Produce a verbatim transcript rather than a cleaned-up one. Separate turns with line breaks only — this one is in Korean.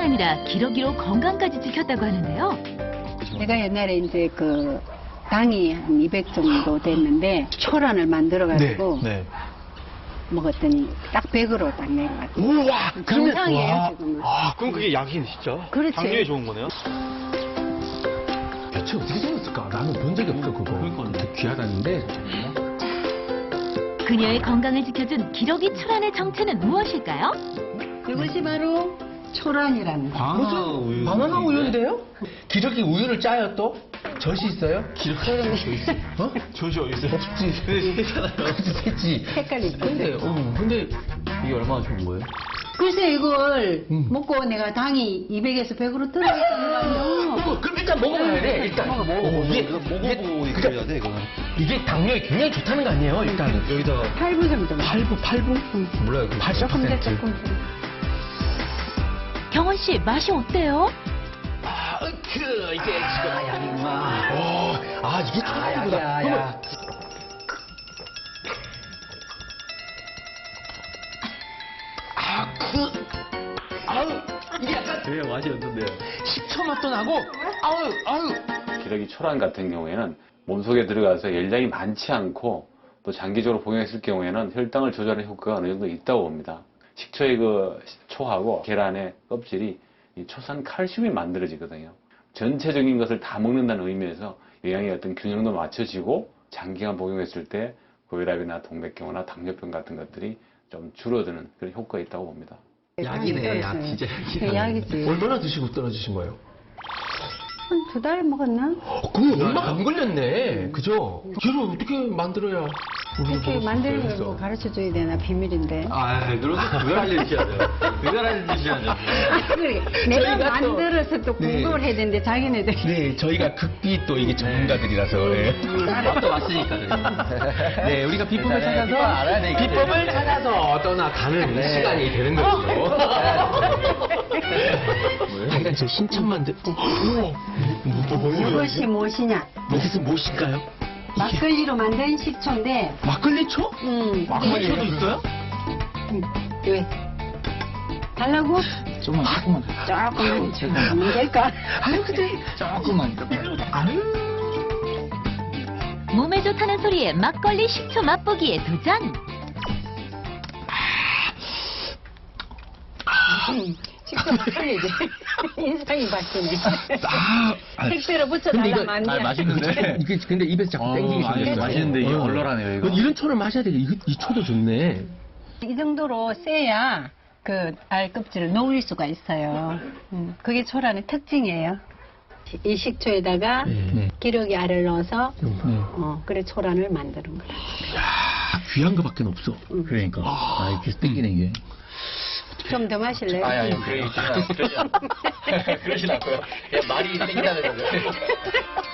아니라 기러기로 건강까지 지켰다고 하는데요.
제가 옛날에 이제 그 당이 한 이백 정도 됐는데 초란을 만들어가지고
네. 네.
먹었더니 딱 백으로 딱 내려갔어요.
우와!
정상이에요,
와.
지금은.
아, 그럼 그게 약이 진짜?
그렇지.
당뇨에 좋은 거네요?
대체 어떻게 생겼을까? 나는 본 적이 없어, 그거. 되게 귀하다는데.
그녀의 건강을 지켜준 기러기 초란의 정체는 무엇일까요?
이것이 바로 초란이라는 거.
바나나 우유. 바나나 우유인데요? 기저귀 우유를 짜요, 또? 젖이 있어요? 기저귀 있어. 어?
조지 어디 있어요?
없지.
근데 세잖아요.
그치, 됐지.
색깔이 있고.
근데, 어, 근데
이게 얼마나 좋은 거예요?
글쎄 이걸
음.
먹고 내가 당이 이백에서 백으로 들어있다는 거 아니에요?
어, 그럼 일단 먹어봐야 돼, 일단.
먹어, 먹어,
어, 이게,
이거 먹어보고
이게,
얘기해야 돼, 이거는.
이게 당뇨에 굉장히 좋다는 거 아니에요, 일단은.
여기다가
팔 부 정도.
팔 부, 팔 부? 몰라요. 팔십
조금 더
퍼센트.
조금 더.
경원 씨, 맛이 어때요?
아, 그, 이게 지금. 아, 양이구나. 오, 아, 이게 초라이구나.
야, 야.
아, 그, 아우, 이게 약간
되게 맛이 없는데요.
식초 맛도 나고, 아우, 아우.
기러기 초란 같은 경우에는 몸속에 들어가서 열량이 많지 않고 또 장기적으로 복용했을 경우에는 혈당을 조절하는 효과가 어느 정도 있다고 봅니다. 식초의 그 초하고 계란의 껍질이 이 초산 칼슘이 만들어지거든요. 전체적인 것을 다 먹는다는 의미에서 영양의 어떤 균형도 맞춰지고 장기간 복용했을 때 고혈압이나 동맥경화나 당뇨병 같은 것들이 좀 줄어드는 그런 효과가 있다고 봅니다.
약이네, 약, 진짜 약이네.
그 약이지.
얼마나 드시고 떨어지신 거예요?
한 두 달 먹었나?
어, 그럼 얼마 안 걸렸네. 그죠? 걔를 어떻게 만들어야 우리가
이렇게
먹을 수
만드는 걸
있어?
뭐 가르쳐줘야 되나 비밀인데.
아, 그래서 그걸 알려주셔야 돼요. 그걸 알려주셔야죠.
아, 그래. 내가
저희가 또-
만들어서 또
네.
공부를 해야 되는데 자기네들.
네, 저희가 극비 또 이게 전문가들이라서. 네.
맛도 왔으니까요.
네, 우리가 비법을
네,
찾아서
비법 알아야 되기
비법을
때문에.
찾아서 떠나가는
네.
시간이 되는 거죠. 자기가 저 신천 만들. 우와.
이것이 무엇이냐?
이것은 무엇일까요?
막걸리로 만든 식초인데,
막걸리 초?
음,
막걸리 초도 있어요?
음, 왜? 달라고?
조금만, 조금만.
조금만 하면 될까?
아유, 근데.
조금만.
아유.
몸에 좋다는 소리에 막걸리 식초 맛보기에 도전!
음, 식초 막걸리지. 인상이 바뀌네.
아, 아,
색대로
근데
붙여달라면
이거-
안 돼.
아, 맛있는데?
이게 근데 입에서 자꾸
어,
땡기게
아니,
생겼어요.
맛있는데 이게
어.
얼얼하네요, 이거.
이런 초를 마셔야 되게 이, 이 초도 좋네.
이 정도로 세야 그 알 껍질을 녹일 수가 있어요. 음, 그게 초란의 특징이에요. 이 식초에다가
네.
기러기 알을 넣어서
네.
어, 그래 초란을 만드는 거야.
야, 귀한 거밖에 없어.
그러니까. 아, 이렇게 땡기네, 이게.
좀 더 마실래요?
아니, 아니, 그러지 않고요. 그러진 않고요. 그냥 말이 땡기다는 거죠.